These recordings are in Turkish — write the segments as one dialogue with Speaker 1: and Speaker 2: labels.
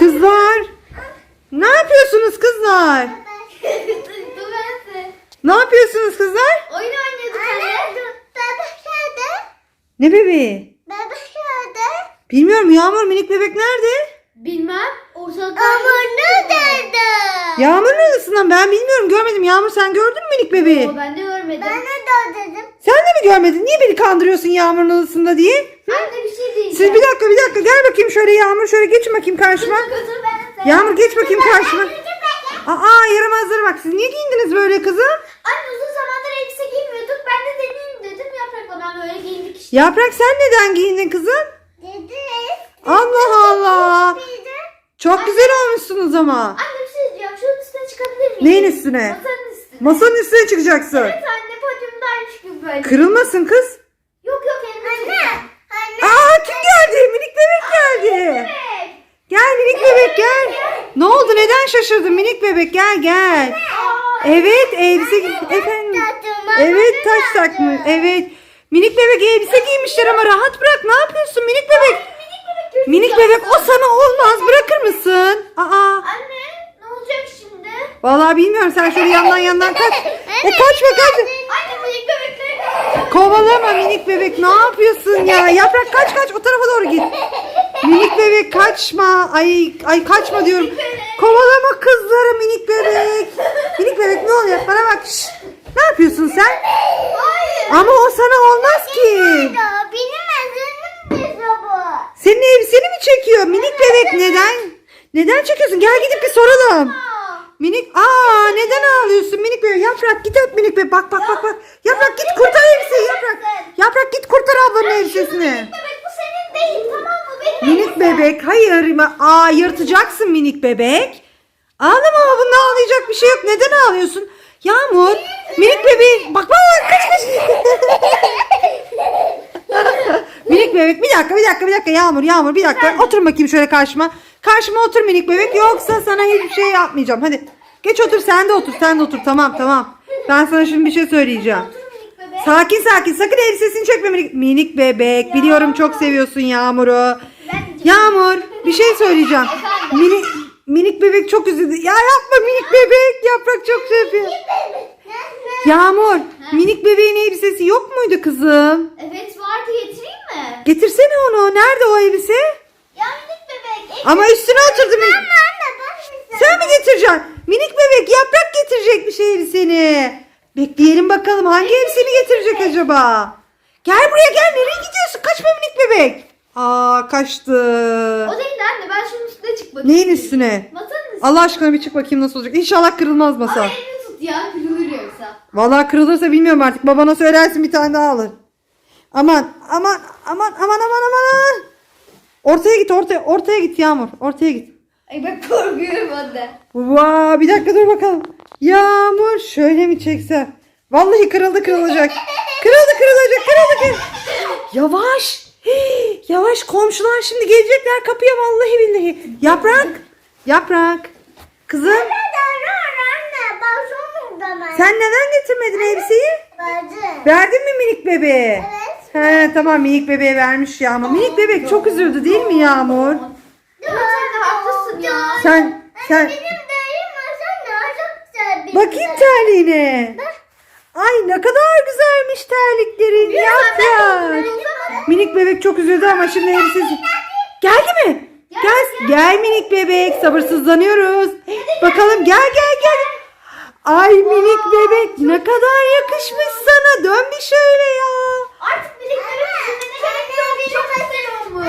Speaker 1: Kızlar. Ne yapıyorsunuz kızlar? Ne yapıyorsunuz kızlar?
Speaker 2: Oyun oynuyorduk anne. Bebek nerede?
Speaker 1: Ne bebeği?
Speaker 2: Bebek nerede?
Speaker 1: Bilmiyorum Yağmur, minik bebek nerede?
Speaker 2: Bilmem. Ortalıkta. Ama nerede?
Speaker 1: Yağmur'un odasından ben bilmiyorum, görmedim. Yağmur sen gördün mü minik bebeği?
Speaker 2: Ben de görmedim. Ben de dedim.
Speaker 1: Sen de mi görmedin? Niye beni kandırıyorsun Yağmur'un odasında diye?
Speaker 2: Anne bir şey diyeceğim.
Speaker 1: Siz bir dakika gel bakayım şöyle Yağmur, şöyle geçin bakayım karşıma.
Speaker 2: Götür ben de.
Speaker 1: Yağmur geç bakayım karşıma. Aa yaramazlara bak, siz niye giyindiniz böyle kızım?
Speaker 2: Anne uzun zamandır elbise giymiyorduk. Ben de deneyeyim dedim. Yaprakla ben böyle giyindik işte.
Speaker 1: Yaprak sen neden giyindin kızım?
Speaker 2: Dedi.
Speaker 1: Allah Allah. Çok güzel olmuşsunuz ama.
Speaker 2: Anne bir şey diyeceğim. Şunun üstüne çıkabilir miyim?
Speaker 1: Neyin üstüne?
Speaker 2: Masanın üstüne.
Speaker 1: Masanın üstüne çıkacaksın.
Speaker 2: Evet anne podyumdaymış gibi böyle.
Speaker 1: Kırılmasın kız.
Speaker 2: Yok elimde anne.
Speaker 1: Aa kim geldi? Minik bebek geldi.
Speaker 2: Evet.
Speaker 1: Gel minik bebek gel. Ne oldu? Neden şaşırdın minik bebek? Gel. Evet elbise efendim. Evet taş takmış. Evet. Minik bebek elbise giymişler ama rahat bırak. Ne yapıyorsun minik bebek? Minik bebek o sana olmaz. Bırakır mısın? Aa.
Speaker 2: Anne ne olacak şimdi?
Speaker 1: Vallahi bilmiyorum. Sen şöyle yandan kaç. Kaçma.
Speaker 2: Anne minik bebekleri kaçacağım.
Speaker 1: Kovalama minik bebek. Ne yapıyorsun ya? Yaprak kaç. O tarafa doğru git. Minik bebek kaçma. Ay kaçma diyorum. Kovalama kızları minik bebek. Minik bebek ne oluyor? Bana bak. Şşt. Ne yapıyorsun sen?
Speaker 2: Hayır.
Speaker 1: Ama o sana olmaz ki.
Speaker 2: Benim ezerim bu.
Speaker 1: Senin elbiseni mi çekiyor? Minik bebek neden çekiyorsun? Gel gidip bir soralım. Neden ağlıyorsun minik bebek? Yaprak git öp minik bebek. Bak. Yaprak git kurtar elbiseyi Yaprak. Yaprak git kurtar ablanın elbisesini.
Speaker 2: Minik bebek bu senin değil tamam mı? Benim
Speaker 1: Minik bebek hayır. Yırtacaksın minik bebek. Ağlama bunda ağlayacak bir şey yok. Neden ağlıyorsun? Yağmur minik bebeği bak kaç. Minik bebek bir dakika Yağmur bir dakika. Otur bakayım şöyle karşıma. Karşıma otur minik bebek yoksa sana hiçbir şey yapmayacağım. Hadi geç otur sen de otur tamam. Ben sana şimdi bir şey söyleyeceğim.
Speaker 2: minik bebek.
Speaker 1: Sakin sakın elbisesini çekme minik bebek. Biliyorum çok seviyorsun Yağmur'u.
Speaker 2: Ben
Speaker 1: Yağmur bir şey söyleyeceğim. Minik bebek çok üzüldü. Ya yapma minik bebek. Yaprak çok şey yapıyor. Yağmur minik bebeğin elbisesi yok muydu kızım?
Speaker 2: Evet vardı getireyim mi?
Speaker 1: Getirsene onu. Nerede o elbise?
Speaker 2: Ya minik bebek.
Speaker 1: Ama üstüne oturdu minik.
Speaker 2: Anne ben
Speaker 1: Sen mi getireceksin? Minik bebek Yaprak getirecekmiş elbiseni. Bekleyelim bakalım hangi elbiseni getirecek acaba? Gel buraya gel. Nereye gidiyorsun? Kaçma minik bebek. Kaçtı.
Speaker 2: O değil anne ben şunun üstüne çıkmak
Speaker 1: Neyin üstüne?
Speaker 2: Masanın üstüne.
Speaker 1: Allah aşkına bir çık bakayım nasıl olacak. İnşallah kırılmaz masa.
Speaker 2: Ama elini tut ya kırılır yoksa.
Speaker 1: Vallahi kırılırsa bilmiyorum artık. Babana söylersin bir tane daha alır. Aman. Ortaya git Yağmur. Ortaya git.
Speaker 2: Ay ben korkuyorum anne.
Speaker 1: Bir dakika dur bakalım. Yağmur şöyle mi çeksem? Vallahi kırılacak. Kırılacak. Yavaş. Yavaş komşular şimdi gelecekler kapıya vallahi billahi. Yaprak. Kızım sen neden getirmedin elbiseyi? Verdin mi minik bebeğe?
Speaker 2: Evet.
Speaker 1: Tamam minik bebeğe vermiş Yağmur. Minik bebek çok üzüldü değil mi Yağmur?
Speaker 2: Evet anne haklısın ya.
Speaker 1: Sen
Speaker 2: Benim dayım masam çok güzel.
Speaker 1: bakayım terliğine. Ay ne kadar güzelmiş terliklerin Yaprak. Minik bebek çok üzüldü ama şimdi elbisesi. Geldi mi? Gel minik bebek sabırsızlanıyoruz. Bakalım gel. Ay minik bebek ne kadar yakışmış sana. Dön bir şöyle ya.
Speaker 2: Artık birliklerin üzerine çok güzel olmuş.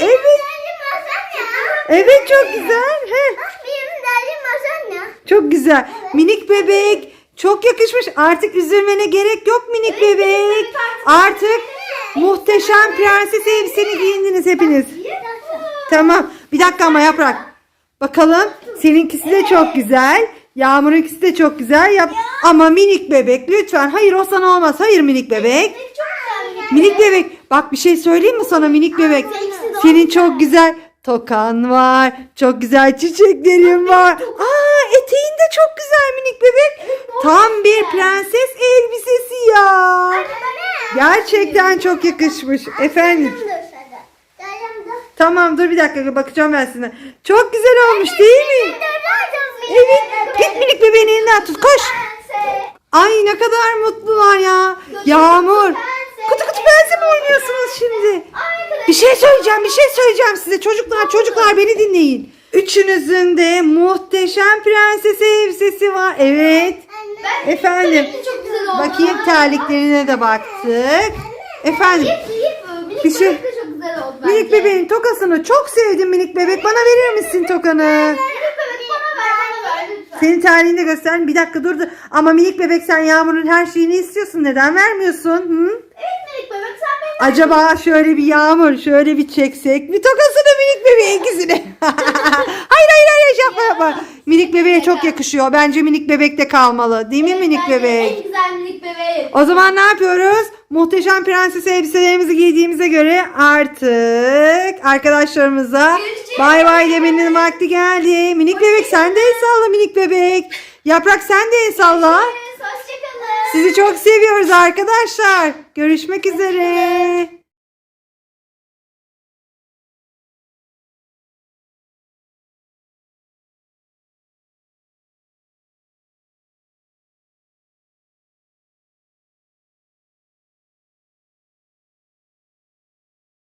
Speaker 1: Evet çok güzel.
Speaker 2: Benim dayım masam
Speaker 1: Çok güzel. Minik bebek çok yakışmış. Artık üzülmene gerek yok minik bebek. Artık muhteşem prenses elbiseni giyindiniz hepiniz. Tamam. Bir dakika ama Yaprak. Bakalım. Seninkisi de çok güzel. Yağmur'unkisi de çok güzel. Ama minik bebek lütfen. Hayır o sana olmaz. Hayır minik bebek. Minik bebek. Bak bir şey söyleyeyim mi sana minik bebek? Senin çok güzel tokan var. Çok güzel çiçeklerin var. Eteğin de çok güzel minik bebek. Tam bir prenses elbisesi ya. Gerçekten çok yakışmış. Efendim.
Speaker 2: Dayım da.
Speaker 1: Tamam dur bir dakika bakacağım ben size. Çok güzel olmuş değil mi? Evet. Git minik bebeğin elinden tut. Koş. Ay ne kadar mutlular ya. Yağmur. Kutu kutu pense mi oynuyorsunuz şimdi? Bir şey söyleyeceğim size. Çocuklar beni dinleyin. Üçünüzün de muhteşem prenses elbisesi var. Evet. Efendim.
Speaker 2: Çok güzel oldu.
Speaker 1: Bakayım terliklerine de baktık. Efendim. Bir şey.
Speaker 2: Çok güzel oldu bence.
Speaker 1: Minik bebeğin tokasını çok sevdim minik bebek. Bana verir misin tokanı?
Speaker 2: Minik bebek bana ver lütfen.
Speaker 1: Senin terliğini de göster. Bir dakika dur. Ama minik bebek sen Yağmur'un her şeyini istiyorsun. Neden vermiyorsun? Hı?
Speaker 2: Evet minik bebek sen benim.
Speaker 1: Acaba şöyle bir Yağmur şöyle bir çeksek. Bir tokasını minik bebeğe ikisini. hayır yapma. Minik bebeğe çok yakışıyor. Bence minik bebek de kalmalı. Değil mi minik
Speaker 2: Bence
Speaker 1: bebek?
Speaker 2: En güzel minik bebeğim.
Speaker 1: O zaman ne yapıyoruz? Muhteşem prenses elbiselerimizi giydiğimize göre artık arkadaşlarımıza
Speaker 2: Görüşürüz.
Speaker 1: bay bay demenin vakti geldi. Minik bebek sen de el salla minik bebek. Yaprak sen de el salla.
Speaker 2: Hoşçakalın.
Speaker 1: Sizi çok seviyoruz arkadaşlar. Görüşmek üzere.